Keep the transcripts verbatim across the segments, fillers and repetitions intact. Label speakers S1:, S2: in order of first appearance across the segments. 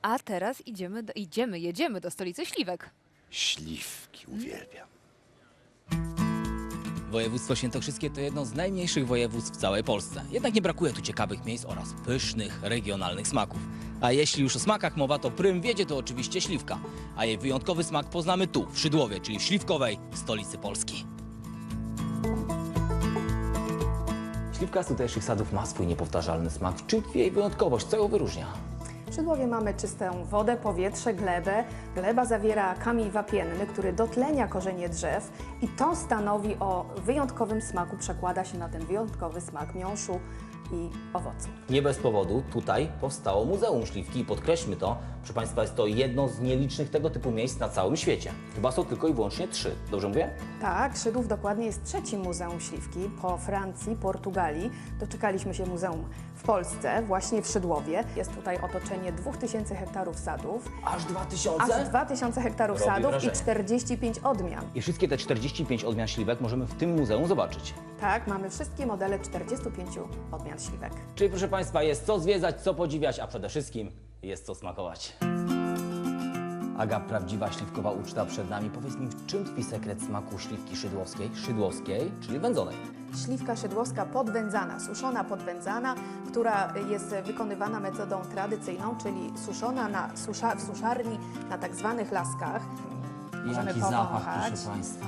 S1: A teraz idziemy, do, idziemy, jedziemy do stolicy śliwek.
S2: Śliwki uwielbiam.
S3: Województwo świętokrzyskie to jedno z najmniejszych województw w całej Polsce. Jednak nie brakuje tu ciekawych miejsc oraz pysznych, regionalnych smaków. A jeśli już o smakach mowa, to prym wiedzie to oczywiście śliwka. A jej wyjątkowy smak poznamy tu, w Szydłowie, czyli w śliwkowej stolicy Polski. Śliwka z tutejszych sadów ma swój niepowtarzalny smak. W czym tkwi jej wyjątkowość? Co ją wyróżnia?
S4: W Szydłowie mamy czystą wodę, powietrze, glebę. Gleba zawiera kamień wapienny, który dotlenia korzenie drzew i to stanowi o wyjątkowym smaku, przekłada się na ten wyjątkowy smak miąższu i owoców.
S3: Nie bez powodu tutaj powstało Muzeum Śliwki i podkreślmy to, proszę Państwa, jest to jedno z nielicznych tego typu miejsc na całym świecie. Chyba są tylko i wyłącznie trzy. Dobrze mówię?
S4: Tak, Szydłów dokładnie jest trzecim Muzeum Śliwki po Francji, Portugalii. Doczekaliśmy się muzeum w Polsce, właśnie w Szydłowie. Jest tutaj otoczenie dwóch tysięcy hektarów sadów,
S3: Aż dwa tysiące?
S4: aż dwa tysiące hektarów
S3: Robi
S4: sadów
S3: wrażenie.
S4: i czterdzieści pięć odmian.
S3: I wszystkie te czterdzieści pięć odmian śliwek możemy w tym muzeum zobaczyć.
S4: Tak, mamy wszystkie modele czterdziestu pięciu odmian śliwek.
S3: Czyli proszę Państwa, jest co zwiedzać, co podziwiać, a przede wszystkim jest co smakować. Aga, prawdziwa śliwkowa uczta przed nami. Powiedz mi, w czym tkwi sekret smaku śliwki szydłowskiej, szydłowskiej, czyli wędzonej?
S4: Śliwka szydłowska podwędzana, suszona podwędzana, która jest wykonywana metodą tradycyjną, czyli suszona na susza, w suszarni na tak zwanych laskach. Możemy
S3: Jaki zapach,
S4: powąchać.
S3: proszę Państwa.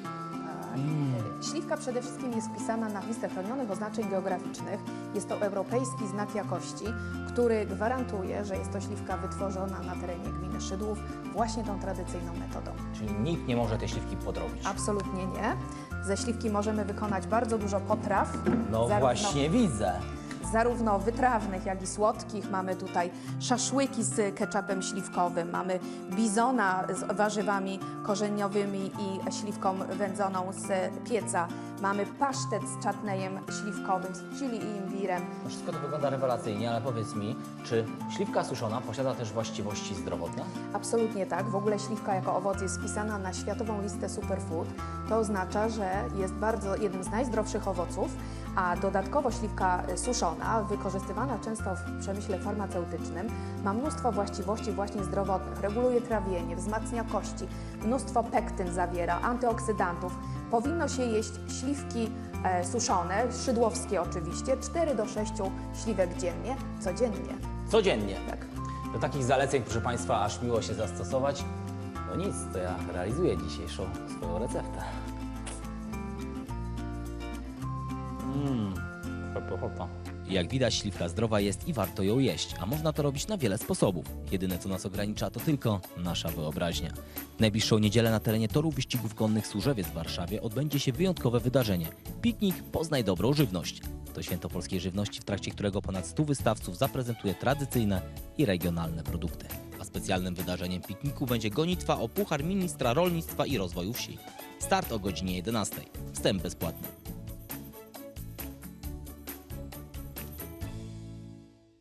S4: Śliwka przede wszystkim jest wpisana na listę chronionych oznaczeń geograficznych. Jest to europejski znak jakości, który gwarantuje, że jest to śliwka wytworzona na terenie gminy Szydłów właśnie tą tradycyjną metodą.
S3: Czyli nikt nie może tej śliwki podrobić.
S4: Absolutnie nie. Ze śliwki możemy wykonać bardzo dużo potraw.
S3: No
S4: zarówno-
S3: właśnie widzę.
S4: Zarówno wytrawnych, jak i słodkich. Mamy tutaj szaszłyki z ketchupem śliwkowym, mamy bizona z warzywami korzeniowymi i śliwką wędzoną z pieca. Mamy pasztet z czatnejem śliwkowym, z chili i imbirem.
S3: No wszystko to wygląda rewelacyjnie, ale powiedz mi, czy śliwka suszona posiada też właściwości zdrowotne?
S4: Absolutnie tak. W ogóle śliwka jako owoc jest wpisana na światową listę superfood. To oznacza, że jest bardzo jednym z najzdrowszych owoców, a dodatkowo śliwka suszona, wykorzystywana często w przemyśle farmaceutycznym, ma mnóstwo właściwości właśnie zdrowotnych. Reguluje trawienie, wzmacnia kości, mnóstwo pektyn zawiera, antyoksydantów. Powinno się jeść śliwki e, suszone, szydłowskie oczywiście, cztery do sześciu śliwek dziennie, codziennie.
S3: Codziennie.
S4: Tak.
S3: Do takich zaleceń, proszę Państwa, aż miło się zastosować. No nic, to ja realizuję dzisiejszą swoją receptę. Mmm, pychota. Jak widać, śliwka zdrowa jest i warto ją jeść, a można to robić na wiele sposobów. Jedyne, co nas ogranicza, to tylko nasza wyobraźnia. W najbliższą niedzielę na terenie toru wyścigów konnych Służewiec w Warszawie odbędzie się wyjątkowe wydarzenie. Piknik Poznaj dobrą żywność. To święto polskiej żywności, w trakcie którego ponad stu wystawców zaprezentuje tradycyjne i regionalne produkty. A specjalnym wydarzeniem pikniku będzie gonitwa o Puchar Ministra Rolnictwa i Rozwoju Wsi. Start o godzinie jedenastej. Wstęp bezpłatny.